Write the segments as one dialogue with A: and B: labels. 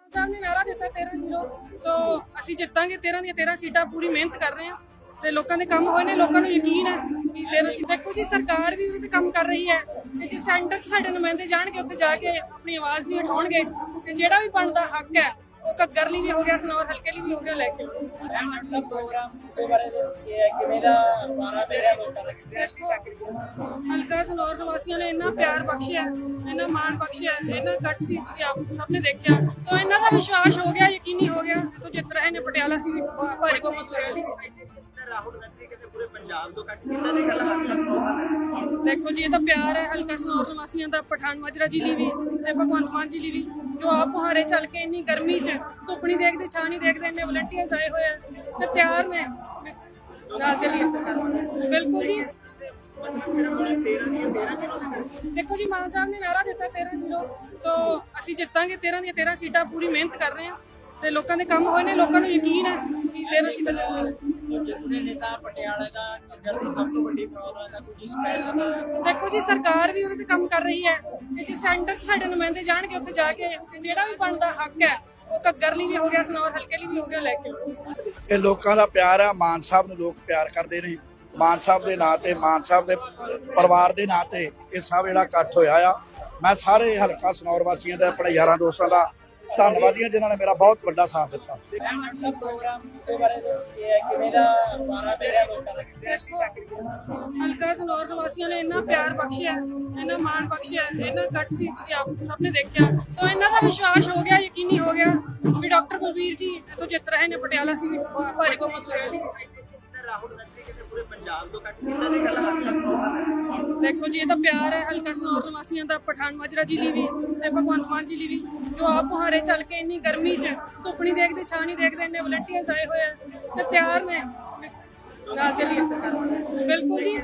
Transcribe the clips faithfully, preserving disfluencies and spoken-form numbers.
A: ਸਾਹਿਬ ਨੇ ਨਾਰਾ ਦਿੱਤਾ ਤੇਰਾਂ ਜ਼ੀਰੋ ਸੋ ਅਸੀਂ ਜਿੱਤਾਂਗੇ ਤੇਰਾਂ ਦੀਆਂ ਤੇਰਾਂ ਸੀਟਾਂ ਪੂਰੀ ਮਿਹਨਤ ਕਰ ਰਹੇ ਹਾਂ ਤੇ ਲੋਕਾਂ ਦੇ ਕੰਮ ਹੋਏ ਨੇ ਲੋਕਾਂ ਨੂੰ ਯਕੀਨ ਹੈ ਕਿ ਤੇਰਾਂ ਸੀਟਾਂ ਦੇਖੋ ਜੀ ਸਰਕਾਰ ਵੀ ਉਹਦੇ ਤੇ ਕੰਮ ਕਰ ਰਹੀ ਹੈ ਤੇ ਜੇ ਸੈਂਟਰ 'ਚ ਸਾਡੇ ਨੁਮਾਇੰਦੇ ਜਾਣਗੇ ਉੱਥੇ ਜਾ ਕੇ ਆਪਣੀ ਆਵਾਜ਼ ਨਹੀਂ ਉਠਾਉਣਗੇ ਤੇ ਜਿਹੜਾ ਵੀ ਬਣਦਾ ਹੱਕ ਹੈ ਉਹ ਘੱਗਰ ਲਈ ਵੀ ਹੋ ਗਿਆ ਸਨੌਰ ਹਲਕੇ ਲਈ ਵੀ ਹੋ ਗਿਆ ਲੈ ਕੇ ਹਲਕਾ ਸਨੌਰ ਨਿਵਾਸੀਆਂ ਨੇ ਇੰਨਾ ਪਿਆਰ ਬਖਸ਼ਿਆ ਇੰਨਾ ਮਾਣ ਬਖਸ਼ਿਆ ਇੰਨਾ ਕੱਟ ਸੀ ਤੁਸੀਂ ਆਪ ਸਭ ਨੇ ਦੇਖਿਆ ਸੋ ਇਹਨਾਂ ਦਾ ਵਿਸ਼ਵਾਸ ਹੋ ਗਿਆ ਯਕੀਨੀ ਹੋ ਗਿਆ ਇੱਥੋਂ ਜਿੱਤ ਰਹੇ ਨੇ ਪਟਿਆਲਾ ਸੀ ਭਾਰੀ ਬਹੁਮਤ ਹੋਏਗੀ।
B: ਰਾਹੁਲ ਗਾਂਧੀ ਕਹਿੰਦੇ ਪੂਰੇ ਪੰਜਾਬ ਤੋਂ ਕੱਟ ਕੀਤਾ ਦੇ ਗੱਲ ਹਲਕਾ ਸਨੌਰ
A: ਦੇਖੋ ਜੀ ਇਹ ਤਾਂ ਪਿਆਰ ਹੈ ਹਲਕਾ ਸਨੌਰ ਨਿਵਾਸੀਆਂ ਦਾ ਪਠਾਨ ਮਾਜਰਾ ਜ਼ਿਲ੍ਹੇ ਵੀ ਤੇ ਭਗਵੰਤ ਮਾਨ ਜ਼ਿਲ੍ਹੇ ਵੀ ਜੋ ਆਪ ਮੁਹਾਰੇ ਚੱਲ ਕੇ ਇੰਨੀ ਗਰਮੀ 'ਚ ਧੁੱਪ ਨਹੀਂ ਦੇਖਦੇ ਛਾਂ ਨਹੀਂ ਦੇਖਦੇ ਇੰਨੇ ਵਲੰਟੀਅਰਸ ਆਏ ਹੋਏ ਆ ਤੇ ਤਿਆਰ ਨੇ ਨਾਲ ਚੱਲੀਏ ਬਿਲਕੁਲ ਜੀ ਦੇਖੋ ਜੀ ਮਾਨ ਸਾਹਿਬ ਨੇ ਨਾਰਾ ਦਿੱਤਾ ਤੇਰਾਂ ਜ਼ੀਰੋ ਸੋ ਅਸੀਂ ਜਿੱਤਾਂਗੇ ਤੇਰਾਂ ਦੀਆਂ ਤੇਰਾਂ ਸੀਟਾਂ ਪੂਰੀ ਮਿਹਨਤ ਕਰ ਰਹੇ ਹਾਂ ਤੇ ਲੋਕਾਂ ਦੇ ਕੰਮ ਹੋਏ ਨੇ ਲੋਕਾਂ ਨੂੰ ਯਕੀਨ ਹੈ ਕਿ ਤੇਰਾਂ ਸੀਟਾਂ ਜਿੱਤਾਂਗੇ।
B: ਨੇਤਾ ਪਟਿਆਲੇ ਦਾ ਘੱਗਰ ਦੀ ਸਭ ਤੋਂ ਵੱਡੀ ਪ੍ਰੋਬਲਮ ਹੈ ਕੁਝ ਸਪੈਸ਼ਲ
A: ਦੇਖੋ ਜੀ ਸਰਕਾਰ ਵੀ ਉਹਦੇ ਤੇ ਕੰਮ ਕਰ ਰਹੀ ਹੈ ਤੇ ਜੇ ਸੈਂਟਰ 'ਚ ਸਾਡੇ ਨੁਮਾਇੰਦੇ ਜਾਣਗੇ ਉੱਥੇ ਜਾ ਕੇ ਤੇ ਜਿਹੜਾ ਵੀ ਬਣਦਾ ਹੱਕ ਹੈ ਉਹ ਘੱਗਰ ਲਈ ਵੀ ਹੋ ਗਿਆ ਸਨੌਰ ਹਲਕੇ ਲਈ ਵੀ ਹੋ ਗਿਆ ਲੈ ਕੇ
C: ਇਹ ਲੋਕਾਂ ਦਾ ਪਿਆਰ ਹੈ ਮਾਨ ਸਾਹਿਬ ਨੂੰ ਲੋਕ ਪਿਆਰ ਕਰਦੇ ਨੇ ਮਾਨ ਸਾਹਿਬ ਦੇ ਨਾਂ ਤੇ ਮਾਨ ਸਾਹਿਬ ਦੇ ਪਰਿਵਾਰ ਦੇ ਨਾਂ ਤੇ ਇਹ ਸਭ ਜਿਹੜਾ ਇਕੱਠ ਹੋਇਆ ਆ ਮੈਂ ਸਾਰੇ ਹਲਕਾ ਸਨੌਰ ਵਾਸੀਆਂ ਦਾ ਆਪਣੇ ਯਾਰਾਂ ਦੋਸਤਾਂ ਦਾ ਧੰਨਵਾਦੀ ਹਾਂ ਜਿਨ੍ਹਾਂ ਨੇ ਮੇਰਾ ਬਹੁਤ ਵੱਡਾ ਸਾਥ ਦਿੱਤਾ।
A: ਹਲਕਾ ਸਨੌਰ ਨਿਵਾਸੀਆਂ ਨੇ ਇੰਨਾ ਪਿਆਰ ਬਖਸ਼ਿਆ ਇੰਨਾ ਮਾਣ ਬਖਸ਼ਿਆ ਇੰਨਾ ਕੱਟ ਸੀ ਤੁਸੀਂ ਆਪ ਸਭ ਨੇ ਦੇਖਿਆ ਸੋ ਇਹਨਾਂ ਦਾ ਵਿਸ਼ਵਾਸ ਹੋ ਗਿਆ ਯਕੀਨੀ ਹੋ ਗਿਆ ਵੀ ਡਾਕਟਰ ਬਲਬੀਰ ਜੀ ਇੱਥੋਂ ਜਿੱਤ ਰਹੇ ਨੇ ਪਟਿਆਲਾ ਸੀ ਭਾਰੀ ਬਹੁਮਤ ਹੋਏਗੀ।
B: ਰਾਹੁਲ ਗਾਂਧੀ ਕਹਿੰਦੇ ਪੂਰੇ ਪੰਜਾਬ ਤੋਂ ਕੱਟ ਕੀਤਾ ਦੇ ਗੱਲ ਹਲਕਾ ਸਨੌਰ
A: ਦੇਖੋ ਜੀ ਇਹ ਤਾਂ ਪਿਆਰ ਹੈ ਹਲਕਾ ਸਨੌਰ ਨਿਵਾਸੀਆਂ ਦਾ ਪਠਾਨ ਮਾਜਰਾ ਜ਼ਿਲ੍ਹੇ ਵੀ ਤੇ ਭਗਵੰਤ ਮਾਨ ਜ਼ਿਲ੍ਹੇ ਵੀ ਜੋ ਆਪ ਮੁਹਾਰੇ ਚੱਲ ਕੇ ਇੰਨੀ ਗਰਮੀ 'ਚ ਧੁੱਪ ਨਹੀਂ ਦੇਖਦੇ ਛਾਂ ਨਹੀਂ ਦੇਖਦੇ ਇੰਨੇ ਵਲੰਟੀਅਰਸ ਆਏ ਹੋਏ ਆ ਤੇ ਤਿਆਰ ਨੇ ਨਾਲ ਚੱਲੀਏ ਬਿਲਕੁਲ ਜੀ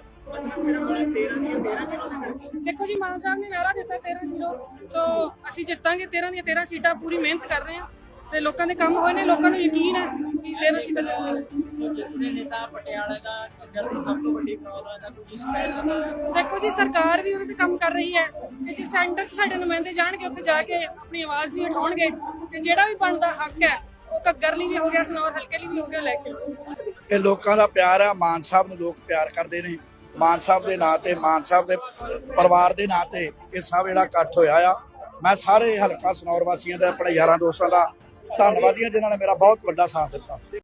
A: ਦੇਖੋ ਜੀ ਮਾਨ ਸਾਹਿਬ ਨੇ ਨਾਰਾ ਦਿੱਤਾ ਤੇਰਾਂ ਜ਼ੀਰੋ ਸੋ ਅਸੀਂ ਜਿੱਤਾਂਗੇ ਤੇਰਾਂ ਦੀਆਂ ਤੇਰਾਂ ਸੀਟਾਂ ਪੂਰੀ ਮਿਹਨਤ ਕਰ ਰਹੇ ਹਾਂ ਤੇ ਲੋਕਾਂ ਦੇ ਕੰਮ ਹੋਏ ਨੇ ਲੋਕਾਂ ਨੂੰ ਯਕੀਨ ਹੈ ਕਿ ਤੇਰਾਂ ਸੀਟਾਂ ਜਿੱਤਾਂਗੇ।
B: ਨੇਤਾ ਪਟਿਆਲੇ ਦਾ ਘੱਗਰ ਦੀ ਸਭ ਤੋਂ ਵੱਡੀ ਪ੍ਰੋਬਲਮ ਹੈ ਕੁਝ ਸਪੈਸ਼ਲ
A: ਦੇਖੋ ਜੀ ਸਰਕਾਰ ਵੀ ਉਹਦੇ ਤੇ ਕੰਮ ਕਰ ਰਹੀ ਹੈ ਤੇ ਜੇ ਸੈਂਟਰ 'ਚ ਸਾਡੇ ਨੁਮਾਇੰਦੇ ਜਾਣਗੇ ਉੱਥੇ ਜਾ ਕੇ ਆਪਣੀ ਆਵਾਜ਼ ਨਹੀਂ ਉਠਾਉਣਗੇ ਤੇ ਜਿਹੜਾ ਵੀ ਬਣਦਾ ਹੱਕ ਹੈ ਉਹ ਘੱਗਰ ਲਈ ਵੀ ਹੋ ਗਿਆ ਸਨੌਰ ਹਲਕੇ ਲਈ ਵੀ ਹੋ ਗਿਆ ਲੈ ਕੇ
C: ਇਹ ਲੋਕਾਂ ਦਾ ਪਿਆਰ ਹੈ ਮਾਨ ਸਾਹਿਬ ਨੂੰ ਲੋਕ ਪਿਆਰ ਕਰਦੇ ਨੇ ਮਾਨ ਸਾਹਿਬ ਦੇ ਨਾਂ ਤੇ ਮਾਨ ਸਾਹਿਬ ਦੇ ਪਰਿਵਾਰ ਦੇ ਨਾਂ ਤੇ ਇਹ ਸਭ ਜਿਹੜਾ ਇਕੱਠ ਹੋਇਆ ਆ ਮੈਂ ਸਾਰੇ ਹਲਕਾ ਸਨੌਰ ਵਾਸੀਆਂ ਦਾ ਆਪਣੇ ਯਾਰਾਂ ਦੋਸਤਾਂ ਦਾ ਧੰਨਵਾਦੀ ਹਾਂ ਜਿਨ੍ਹਾਂ ਨੇ ਮੇਰਾ ਬਹੁਤ ਵੱਡਾ ਸਾਥ ਦਿੱਤਾ।